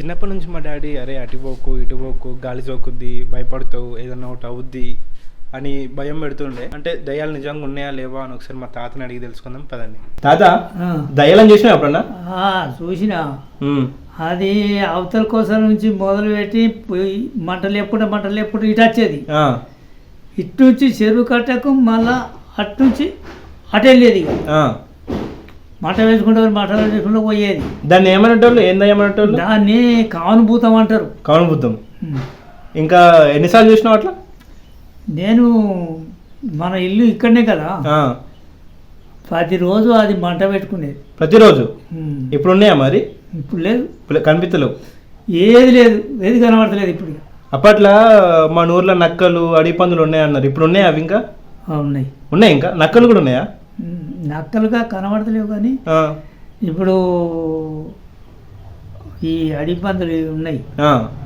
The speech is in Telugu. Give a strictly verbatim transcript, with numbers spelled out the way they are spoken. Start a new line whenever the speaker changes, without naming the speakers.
చిన్నప్పటి నుంచి మా డాడీ అరే అటు పోకు ఇటు పోకు గాలి సోకుద్ది భయపడతావు ఏదన్నా ఒకటి అవుద్ది అని భయం పెడుతుండే. అంటే దయ్యాలు నిజంగా ఉన్నాయా లేవా అని ఒకసారి మా తాతని అడిగి తెలుసుకుందాం పదండి. తాత దయ్యాలని చూసినా ఎప్పుడన్నా?
చూసినా. అది అవతల కోసం నుంచి మొదలు పెట్టి మంటలు ఎప్పుడు మంటలు ఎప్పుడు ఇటు వచ్చేది, ఇటు నుంచి చెరువు కట్టకు మళ్ళా అటు నుంచి అటు వెళ్ళేది. మంట వేసుకుంటే మంట వేసుకుంటూ పోయేది.
దాన్ని ఏమనేటోళ్ళు? ఏం దయ్యమనేటోళ్ళు?
దాన్ని కానుభూతం అంటారు.
కానుభూతం. ఇంకా ఎన్నిసార్లు చూసినావు అట్లా?
నేను మన ఇల్లు ఇక్కడనే కదా, ప్రతిరోజు అది మంట పెట్టుకునేది.
ప్రతిరోజు? ఇప్పుడు ఉన్నాయా మరి?
ఇప్పుడు లేదు,
కనిపించలేవు.
ఏది లేదు, ఏది కనబడతలేదు ఇప్పుడు.
అప్పట్లో మన ఊర్లో నక్కలు అడవి పందులు ఉన్నాయన్నారు, ఇప్పుడు ఉన్నాయా అవి? ఇంకా
ఉన్నాయి.
ఉన్నాయి. ఇంకా నక్కలు కూడా ఉన్నాయా?
నక్కలుగా కనబడతలేవు కానీ ఇప్పుడు ఈ అడవి పందులు ఉన్నాయి.